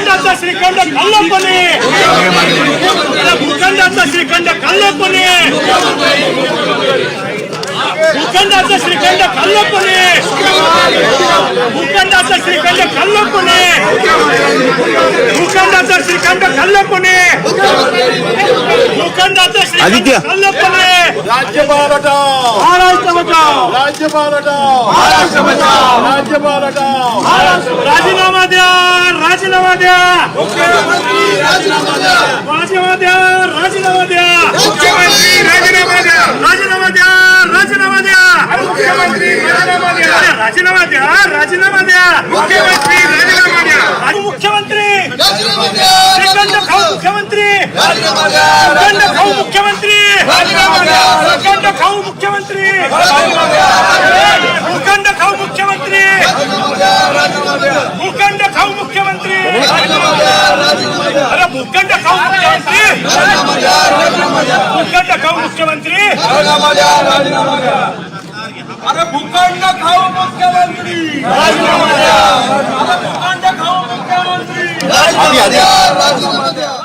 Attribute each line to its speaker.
Speaker 1: भूखंडाचा श्रीखंड खाल्लपणे भूखंडाचा श्रीखंड खाल्लपणे भूखंडाचा श्रीखंड खाल्लपणे भूखंडाचा श्रीखंड खाल्लपणे भूखंडाचा श्रीखंड खाल्लपणे भूखंडाचा श्रीखंड खाल्लपणे
Speaker 2: राज्यपाल हटाओ
Speaker 1: महाराष्ट्र बचाओ
Speaker 2: राज्यपाल हटाओ महाराष्ट्र बचाओ राज्यपाल हटाओ
Speaker 1: राजीनामा द्या राजीनामा द्या
Speaker 2: मुख्यमंत्री राजीनामा द्या
Speaker 1: राजीनामा द्या राजीनामा द्या
Speaker 2: मुख्यमंत्री राजीनामा द्या
Speaker 1: राजीनामा द्या राजीनामा द्या
Speaker 2: मुख्यमंत्री राजीनामा द्या
Speaker 1: राजीनामा द्या राजीनामा द्या
Speaker 2: मुख्यमंत्री राजीनामा द्या
Speaker 1: मुख्यमंत्री
Speaker 2: राजीनामा द्या
Speaker 1: श्रीखंड खाऊ मुख्यमंत्री
Speaker 2: राजीनामा द्या
Speaker 1: श्रीखंड खाऊ मुख्यमंत्री
Speaker 2: राजीनामा द्या
Speaker 1: श्रीखंड खाऊ मुख्यमंत्री
Speaker 2: राजीनामा द्या
Speaker 1: भूखंड खाऊ मुख्यमंत्री
Speaker 2: राजीनामा द्या
Speaker 1: भूखंड खाऊ मुख्यमंत्री
Speaker 2: राजीनामा द्या राजीनामा द्या
Speaker 1: अरे भूखंड खाऊ मुख्यमंत्री
Speaker 2: राजीनामा द्या राजीनामा द्या
Speaker 1: भूखंड खाऊ मुख्यमंत्री
Speaker 2: राजीनामा द्या राजीनामा द्या अरे भूखंड खाऊ मुख्यमंत्री राजीनामा द्या अरे भूखंड खाऊ मुख्यमंत्री राजीनामा द्या राजीनामा द्या